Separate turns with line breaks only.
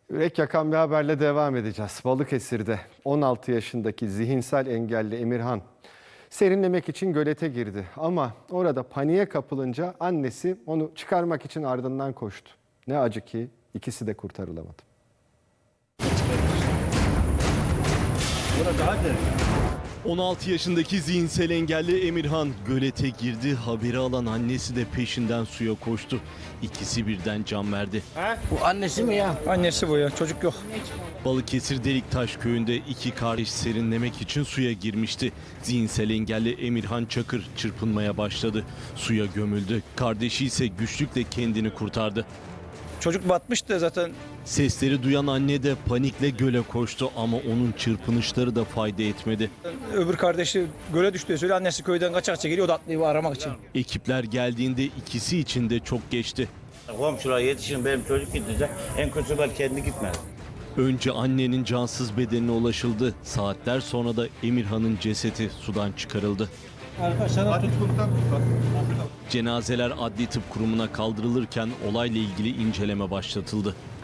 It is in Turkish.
Yürek yakan bir haberle devam edeceğiz. Balıkesir'de 16 yaşındaki zihinsel engelli Emirhan serinlemek için gölete girdi. Ama orada paniğe kapılınca annesi onu çıkarmak için ardından koştu. Ne acı ki ikisi de kurtarılamadı.
Burada hadi.
16 yaşındaki zihinsel engelli Emirhan gölete girdi. Haberi alan annesi de peşinden suya koştu. İkisi birden can verdi.
Bu annesi mi ya?
Annesi bu ya, çocuk yok.
Balıkesir Deliktaş köyünde iki kardeş serinlemek için suya girmişti. Zihinsel engelli Emirhan Çakır çırpınmaya başladı. Suya gömüldü. Kardeşi ise güçlükle kendini kurtardı.
Çocuk batmıştı zaten.
Sesleri duyan anne de panikle göle koştu ama onun çırpınışları da fayda etmedi.
Öbür kardeşi göle düştüğü söyle, annesi köyden kaçakça geliyor da atlıyor aramak için.
Ekipler geldiğinde ikisi için de çok geçti.
Komşular yetişin, benim çocuk gidecek. En kötüsü ben kendi gitmez.
Önce annenin cansız bedenine ulaşıldı. Saatler sonra da Emirhan'ın cesedi sudan çıkarıldı. Cenazeler Adli Tıp Kurumu'na kaldırılırken olayla ilgili inceleme başlatıldı.